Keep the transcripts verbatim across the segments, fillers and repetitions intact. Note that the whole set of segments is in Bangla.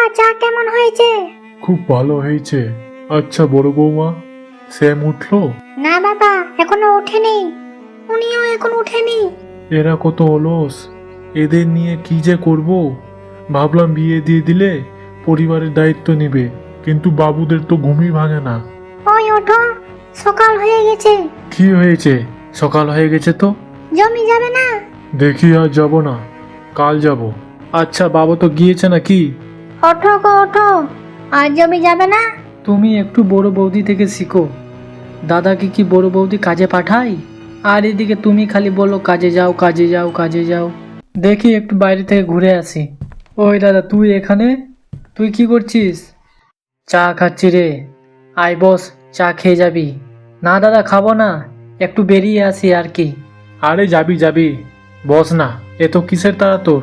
বাবা চা কেমন হয়েছে? খুব ভালো হয়েছে। আচ্ছা বড় বৌমা, স্যাম উঠলো? না বাবা, এখনো ওঠেনি। উনিও এখন উঠেনি। এরা কত অলস, এদের নিয়ে কি যে করব। ভাবলাম বিয়ে দিয়ে দিলে পরিবারের দায়িত্ব নিবে, কিন্তু বাবুদের তো ঘুমই ভাঙে না। ওই ওঠো, সকাল হয়ে গেছে। কি হয়েছে? সকাল হয়ে গেছে তো। জমি যাবে না? দেখি আর যাব না, কাল যাব। আচ্ছা বাবা তো গিয়েছে নাকি? ওঠো গো ওঠো, আর জমি যাবে না? তুমি একটু বড় বৌদি থেকে শিখো। দাদাকে কি বড় বৌদি কাজে পাঠাই? আর এদিকে তুমি খালি বলো কাজে যাও কাজে যাও কাজে যাও। দেখি একটু বাইরে থেকে ঘুরে আসি। ওই দাদা, তুই এখানে? তুই কি করছিস? চা খাচ্ছি রে। আয় বস, চা খেয়ে যাবি? না দাদা, খাবো না, একটু বেরিয়ে আসি আর কি। আরে যাবি যাবি, বস না। এ তো কিসের তাড়া তোর?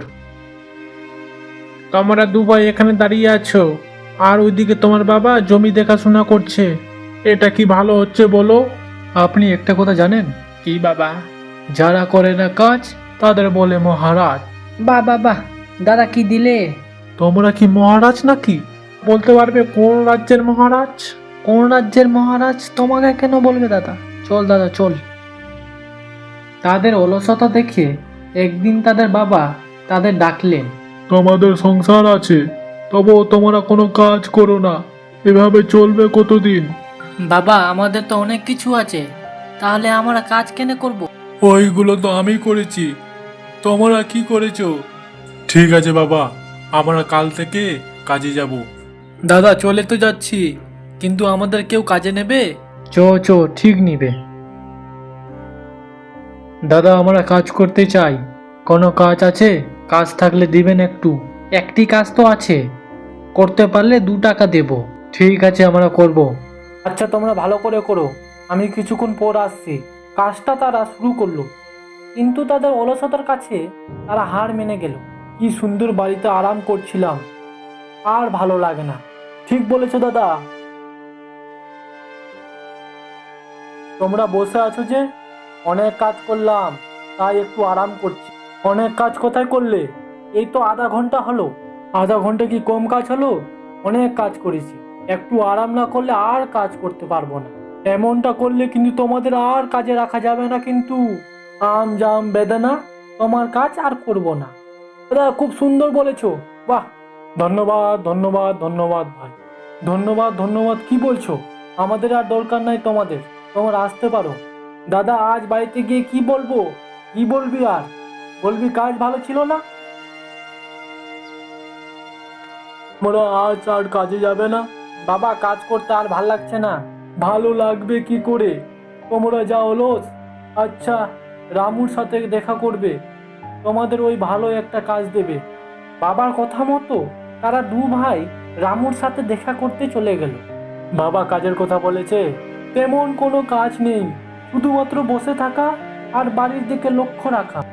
তোমরা দুবাই এখানে দাঁড়িয়ে আছো, আর ওইদিকে তোমার বাবা জমি দেখাশোনা করছে। এটা কি ভালো হচ্ছে বলো? আপনি একটা কথা জানেন? কি বাবা? যারা করে না কাজ তাদের বলে মহারাজ। বাহ বাহ বাহ, দাদা কি দিলে? তোমরা কি মহারাজ নাকি? বলতে পারবে কোন রাজ্যের মহারাজ? কোন রাজ্যের মহারাজ তোমাকে কেন বলবে দাদা? চল দাদা চল। তাদের অলসতা দেখে একদিন তাদের বাবা তাদের ডাকলেন। তোমাদের সংসার আছে, তবুও তোমরা কোনো কাজ করো না, এভাবে চলবে কতদিন? বাবা, আমাদের তো অনেক কিছু আছে, তাহলে আমরা কাজ কেন করব? ওইগুলো তো আমি করেছি, তোমরা কি করেছো? ঠিক আছে বাবা, আমরা কাল থেকে কাজে যাব। দাদা চলে তো যাচ্ছি, কিন্তু আমাদের কেউ কাজে নেবে? চ চ, ঠিক নিবে। দাদা আমরা কাজ করতে চাই। কোনো কাজ আছে? কাজ থাকলে দিবেন একটু। একটি কাজ তো আছে, করতে পারলে দু টাকা দেব। ঠিক আছে, আমরা করব। আচ্ছা তোমরা ভালো করে করো, আমি কিছুক্ষণ পর আসছি। কাজটা তারা শুরু করলো, কিন্তু তাদের অলসতার কাছে তারা হার মেনে গেল। কি সুন্দর বাড়িতে আরাম করছিলাম, আর ভালো লাগে না। ঠিক বলেছো দাদা। তোমরা বসে আছো যে? অনেক কাজ করলাম, তাই একটু আরাম করছি। অনেক কাজ কোথায় করলে? এই তো আধা ঘন্টা হলো। আধা ঘন্টা কি কম কাজ হলো? অনেক কাজ করেছি। একটু আরাম না করলে আর কাজ করতে পারবো না। এমনটা করলে কিন্তু তোমাদের আর কাজে রাখা যাবে না কিন্তু। আম জাম বেদানা, তোমার কাজ আর করব না। দাদা খুব সুন্দর বলেছো, বাহ। ধন্যবাদ ধন্যবাদ ধন্যবাদ ভাই। ধন্যবাদ ধন্যবাদ কি বলছো? আমাদের আর দরকার নাই তোমাদের, তোমরা আসতে পারো। দাদা আজ বাড়িতে গিয়ে কি বলবো? কি বলবি আর? বলবি কাজ ভালো ছিল না? তোমরা আজ আর কাজে যাবে না? বাবা কাজ করতে আর ভাল লাগছে না। ভালো লাগবে কি করে? তোমরা যা অলস। আচ্ছা, রামুর সাথে দেখা করবে, তোমাদের ওই ভালো একটা কাজ দেবে। বাবার কথা মতো তারা দু ভাই রামুর সাথে দেখা করতে চলে গেল। বাবা কাজের কথা বলেছে, তেমন কোনো কাজ নেই, শুধুমাত্র বসে থাকা আর বাড়ির দিকে লক্ষ্য রাখা।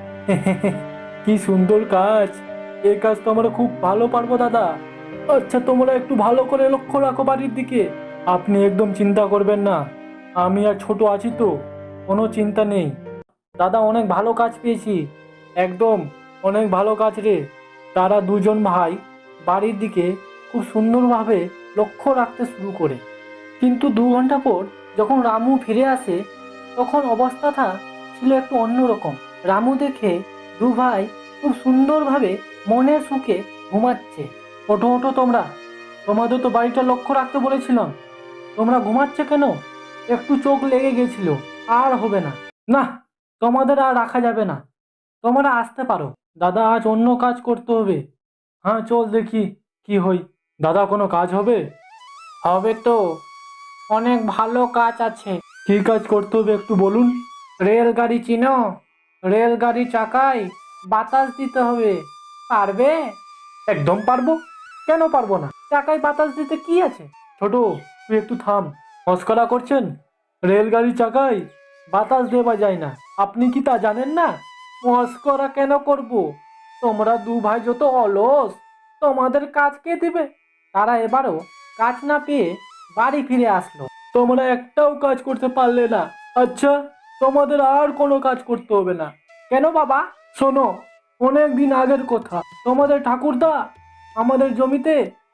কি সুন্দর কাজ! এই কাজ তো আমরা খুব ভালো পারবো দাদা। আচ্ছা তোমরা একটু ভালো করে লক্ষ্য রাখো বাড়ির দিকে। আপনি একদম চিন্তা করবেন না, আমি আর ছোট আছি তো, কোনো চিন্তা নেই। দাদা অনেক ভালো কাজ পেয়েছি, একদম অনেক ভালো কাজ রে। তারা দুজন ভাই বাড়ির দিকে খুব সুন্দরভাবে লক্ষ্য রাখতে শুরু করে। কিন্তু দু ঘন্টা পর যখন রামু ফিরে আসে, তখন অবস্থাটা ছিল একটু অন্যরকম। রামু দেখে দু ভাই খুব সুন্দরভাবে মনের সুখে ঘুমাচ্ছে। ওঠো ওঠো তোমরা, তোমাদের তো বাড়িটা লক্ষ্য রাখতে বলেছিলাম, তোমরা ঘুমাচ্ছে কেন? একটু চোখ লেগে গেছিল, আর হবে না। না, তোমাদের আর রাখা যাবে না, তোমরা আসতে পারো। দাদা আজ অন্য কাজ করতে হবে। হ্যাঁ চল দেখি কি হই। দাদা কোনো কাজ হবে? হবে তো, অনেক ভালো কাজ আছে। কি কাজ করতে হবে একটু বলুন। রেলগাড়ি চিনো? রেলগাড়ি চাকায় বাতাস দিতে হবে, পারবে? একদম পারবো, কেন পারবো না? চাকায় বাতাস দিতে কি আছে? ছোট, তুই একটু থাম, মস্করা করছেন? রেলগাড়ি চাকায় বাতাস দেওয়া যায় না, আপনি কি তা জানেন না? মস্করা কেন করব? তোমরা দু ভাই যত অলস, তোমাদের কাজ কে দিবে? তারা এবারও কাজ না পেয়ে বাড়ি ফিরে আসলো। তোমরা একটাও কাজ করতে পারলে না। আচ্ছা, তোমাদের আর কোনো কাজ করতে হবে না। কেন বাবা? শোনো, অনেক দিন আগের কথা, তোমাদের ঠাকুরদা আমাদের জমিতে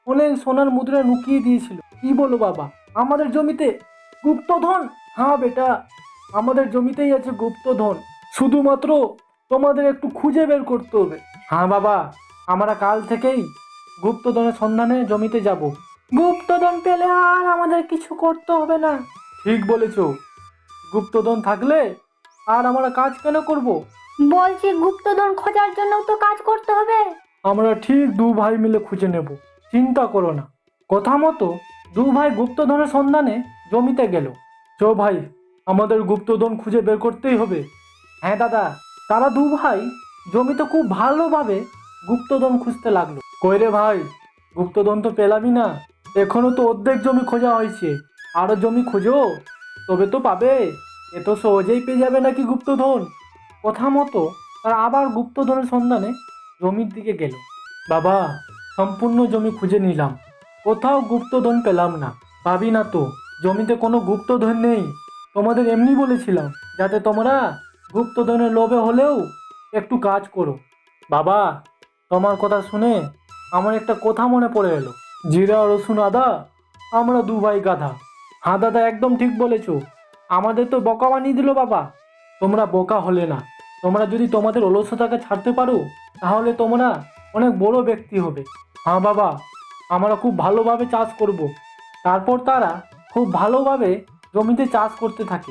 অনেক সোনার মুদ্রা লুকিয়ে দিয়েছিল। কি বলো বাবা, আমাদের জমিতে গুপ্তধন? হ্যাঁ বেটা, আমাদের জমিতেই আছে গুপ্তধন, শুধুমাত্র তোমাদের একটু খুঁজে বের করতে হবে। হ্যাঁ বাবা, আমরা কাল থেকেই গুপ্তধনের সন্ধানে জমিতে যাব। গুপ্তধন পেলে আর আমাদের কিছু করতে হবে না। ঠিক বলেছ, গুপ্তধন থাকলে আর আমরা কাজ কেন করব? বলছি গুপ্তধন খোঁজার জন্য তো কাজ করতে হবে। আমরা ঠিক দু ভাই মিলে খুঁজে নেব, চিন্তা করো না। কথা মতো দু ভাই গুপ্তধনের সন্ধানে জমিতে গেল। চো ভাই, আমাদের গুপ্তধন খুঁজে বের করতেই হবে। হ্যাঁ দাদা, তারা দু ভাই জমিতে খুব ভালোভাবে গুপ্তধন খুঁজতে লাগলো। কই রে ভাই, গুপ্তধন তো পেলামই না। এখনো তো অর্ধেক জমি খোঁজা হয়েছে, আরো জমি খোঁজো, তবে তো পাবে। এ তো সহজেই পেয়ে যাবে নাকি গুপ্তধন। কথা মতো তারা আবার গুপ্তধনের সন্ধানে জমির দিকে গেল। বাবা, সম্পূর্ণ জমি খুঁজে নিলাম, কোথাও গুপ্তধন পেলাম না। পাবি না তো, জমিতে কোনো গুপ্তধন নেই। তোমাদের এমনি বলেছিলাম যাতে তোমরা গুপ্তধনের লোভে হলেও একটু কাজ করো। বাবা, তোমার কথা শুনে আমার একটা কথা মনে পড়ে এলো। জিরা রসুন আদা, আমরা দু ভাই গাধা। হ্যাঁ দাদা, একদম ঠিক বলেছো। আমাদের তো বোকা বানিয়ে দিল বাবা। তোমরা বোকা হলে না। তোমরা যদি তোমাদের অলসতাকে ছাড়তে পারো, তাহলে তোমরা অনেক বড় ব্যক্তি হবে। হ্যাঁ বাবা, আমরা খুব ভালোভাবে চাষ করব। তারপর তারা খুব ভালোভাবে জমিতে চাষ করতে থাকে।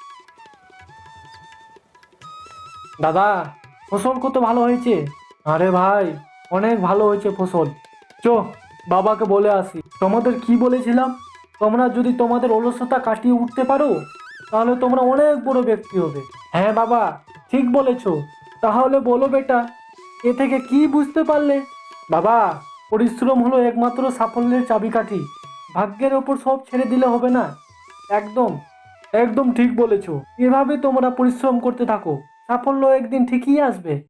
দাদা, ফসল কত ভালো হয়েছে। আরে ভাই, অনেক ভালো হয়েছে ফসল। চো, বাবাকে বলে আসি। তোমাদের কি বলেছিলাম, তোমরা যদি তোমাদের অলসতা কাটিয়ে উঠতে পারো, তাহলে তোমরা অনেক বড় ব্যক্তি হবে। হ্যাঁ বাবা, ঠিক বলেছ। তাহলে বলো বেটা, এ থেকে কি বুঝতে পারলে? বাবা, পরিশ্রম হলো একমাত্র সাফল্যের চাবিকাঠি। ভাগ্যের ওপর সব ছেড়ে দিলে হবে না। একদম একদম ঠিক বলেছ। এভাবে তোমরা পরিশ্রম করতে থাকো, সাফল্য একদিন ঠিকই আসবে।